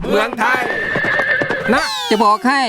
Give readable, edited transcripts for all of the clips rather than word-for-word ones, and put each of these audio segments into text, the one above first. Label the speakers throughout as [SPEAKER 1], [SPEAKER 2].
[SPEAKER 1] เมืองไทย
[SPEAKER 2] นะจะบอกให้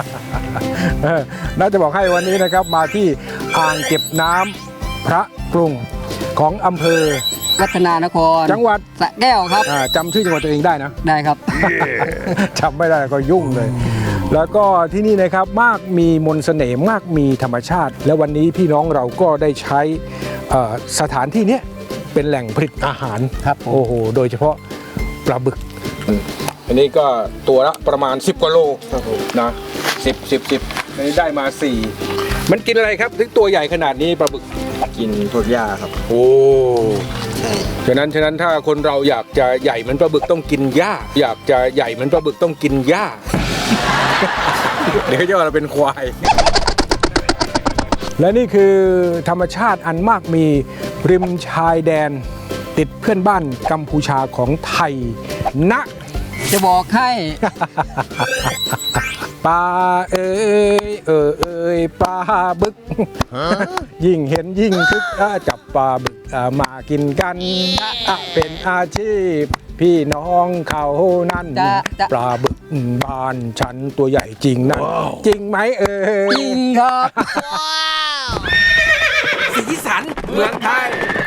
[SPEAKER 3] น่าจะบอกให้วันนี้นะครับมาที่อ่างเก็บน้ำพระกรุงของอำเภอ
[SPEAKER 2] วัฒนานคร
[SPEAKER 3] จังหวัด
[SPEAKER 2] สระแก้วครับ
[SPEAKER 3] จำชื่อจังหวัดตัวเองได้นะ
[SPEAKER 2] ได้ครับ
[SPEAKER 3] จำไม่ได้ก็ยุ่งเลย แล้วก็ที่นี่นะครับมากมีมนต์เสน่ห์มากมีธรรมชาติ และวันนี้พี่น้องเราก็ได้ใช้สถานที่นี้เป็นแหล่งผลิตอาหาร
[SPEAKER 2] ครับผม
[SPEAKER 3] โอ้โหโดยเฉพาะปลาบึก อันนี้ก็ตัวละประมาณ10กว่าโลนะ10อันนี้ได้มา4มันกินอะไรครับถึงตัวใหญ่ขนาดนี้ปลาบึก
[SPEAKER 1] กินพวกหญ้าครับ
[SPEAKER 3] โอ้ฉะนั้นถ้าคนเราอยากจะใหญ่เหมือนปลาบึกต้องกินหญ้า อยากจะใหญ่เหมือนปลาบึกต้องกินหญ้า เดี๋ยวจะว่าเราเป็นควาย และนี่คือธรรมชาติอันมากมีริมชายแดน ติดเพื่อนบ้านกัมพูชาของไทยนะ
[SPEAKER 2] จะบอกให้
[SPEAKER 3] ปลาเอ้ยปลาบึก ยิ่งเห็นยิ่งคึกจับปลาบึกมากินกันเป็นอาชีพ พี่น้องเขานั่น
[SPEAKER 2] จะ
[SPEAKER 3] ปลาบึกบ้านฉันตัวใหญ่จริงนั่นจริงไหมเอ่ย
[SPEAKER 2] จริงครับ
[SPEAKER 1] สีสันเมืองไทย